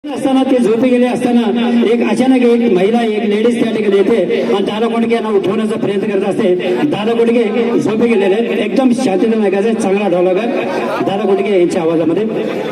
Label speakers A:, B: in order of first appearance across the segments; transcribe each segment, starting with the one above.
A: असताना ते झोपे गेले असताना एक अचानक एक महिला एक लेडीज त्या ठिकाणी येते आणि दादा कोंडके यांना उठवण्याचा प्रयत्न करत असते. दादा कोंडके झोपे गेलेले एकदम शांततेने ऐकायचं. चांगला ढोलक आहे दादा कोंडके यांच्या आवाजामध्ये.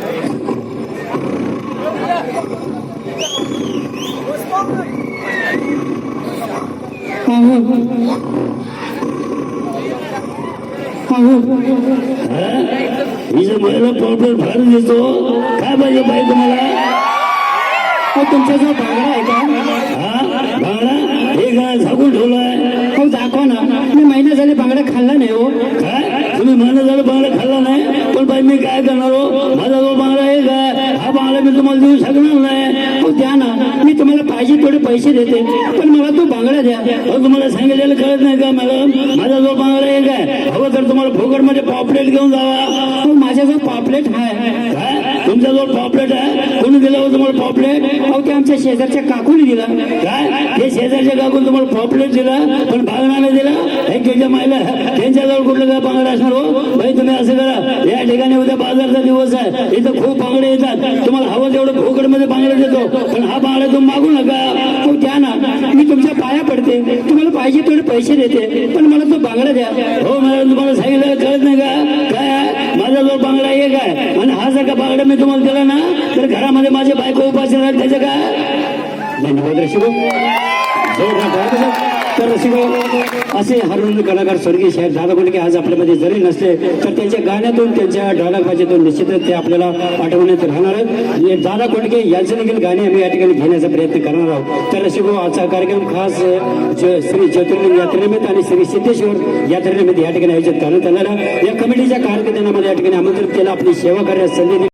B: ही जर मला प्रॉपर भार देतो काय पाहिजे बाई तुम्हाला?
A: तुमचा जो भांगडा आहे का?
B: हा भांगडा हे काय झाकून ठेवलाय?
A: हो दाखवा ना. मी महिना झाले भांगडा खाल्ला नाही हो.
B: काय तुम्ही महिना झालं बांगडा खाल्ला नाही? पण बाई मी काय करणार हो? माझा जो बांगडा आहे काय हा बांगडा मी तुम्हाला देऊ शकणार नाही.
A: हो द्या ना. मी तुम्हाला पाहिजे थोडे पैसे देते पण मला तो भांगडा द्या.
B: तुम्हाला सांगितलेलं कळत नाही का मॅडम? माझा जो बांगडा आहे काय हवं तर तुम्हाला फुकट मध्ये पॉपलेट घेऊन जावा.
A: हो माझा जो पापलेट आहे.
B: काय तुमचा जो पॉपलेट आहे कोणी दिला हो तुम्हाला पॉपलेट?
A: अहो ते आमच्या शेजारच्या काकूने दिला.
B: काय ते शेजारच्या काकून तुम्हाला पॉपलेट दिला पण बांगडा नाही दिला? हे त्याच्या मायला त्यांच्याजवळ कुठलं काय बांगडा असणार हो? भाई तुम्ही असं करा, या ठिकाणी उद्या बाजारचा दिवस आहे, इथं खूप बांगडे येतात, तुम्हाला हवं तेवढं फुकट मध्ये बांगडा देतो पण हा बांगडा तुम्ही मागू नका.
A: हो द्या ना. मी तुमच्या पाया पडते, तुम्हाला पाहिजे थोडे पैसे देते पण मला तो बांगडा द्या.
B: हो मॅडम तुम्हाला सांगितलं कळत नाही का? काय माझा जो बांगडा एक आहे आणि हा जर का बांगडा मी तुम्हाला दिला ना तर घरामध्ये माझे बायको उपाशी राहत त्याचं काय?
A: धन्यवाद रसिको. तर रसिको असे हरवून कलाकार स्वर्गीय साहेब दादा कोंडके आज आपल्यामध्ये जरी नसले तर त्यांच्या गाण्यातून त्यांच्या ढोलकबाजीतून निश्चितच ते आपल्याला आठवण्यात राहणार आहेत. दादा कोंडके यांचे देखील गाणे आम्ही या ठिकाणी घेण्याचा प्रयत्न करणार आहोत. तर रसिको आजचा कार्यक्रम खास श्री ज्योतिर्लिंग यात्रेनिमित्त आणि श्री सिद्धेश्वर यात्रेनिमित्त या ठिकाणी आयोजित करण्यात आलेला. या कमिटीच्या कार्यकर्त्यांना या ठिकाणी आमंत्रित केलं आपली सेवा करण्यास संधी